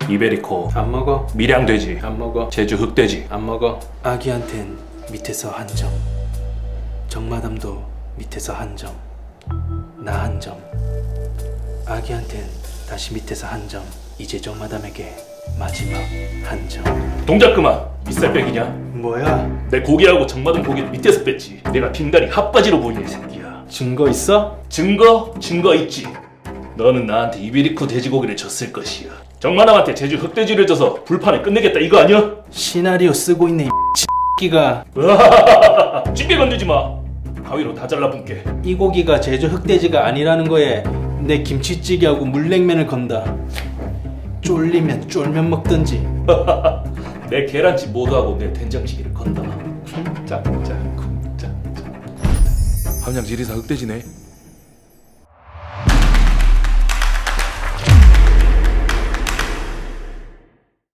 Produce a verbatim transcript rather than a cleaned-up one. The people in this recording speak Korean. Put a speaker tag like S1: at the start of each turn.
S1: 이베리코
S2: 안 먹어.
S1: 밀양돼지
S2: 안 먹어.
S1: 제주 흑돼지
S2: 안 먹어. 아기한텐 밑에서 한 점, 정마담도 밑에서 한 점, 나 한 점. 아기한텐 다시 밑에서 한 점, 이제 정마담에게 마지막 한 점.
S1: 동작 그만. 윗살 빼기냐?
S2: 뭐야?
S1: 내 고기하고 정마담 고기를 밑에서 뺐지. 내가 빙다리 핫바지로 보이네 이 새끼야.
S2: 증거 있어?
S1: 증거? 증거 있지. 너는 나한테 이베리코 돼지고기를 줬을 것이야. 정마담한테 제주 흑돼지를 줘서 불판을 끝내겠다 이거 아니야?
S2: 시나리오 쓰고 있네 이 X끼가.
S1: 찌개 건드지 마. 가위로 다 잘라분께.
S2: 이 고기가 제주 흑돼지가 아니라는 거에 내 김치찌개하고 물냉면을 건다. 쫄리면 쫄면 먹든지.
S1: 내 계란찜 모두하고 내 된장찌개를 건다. 쿵짝짝 쿵짝짝. 함양 지리산 흑돼지네.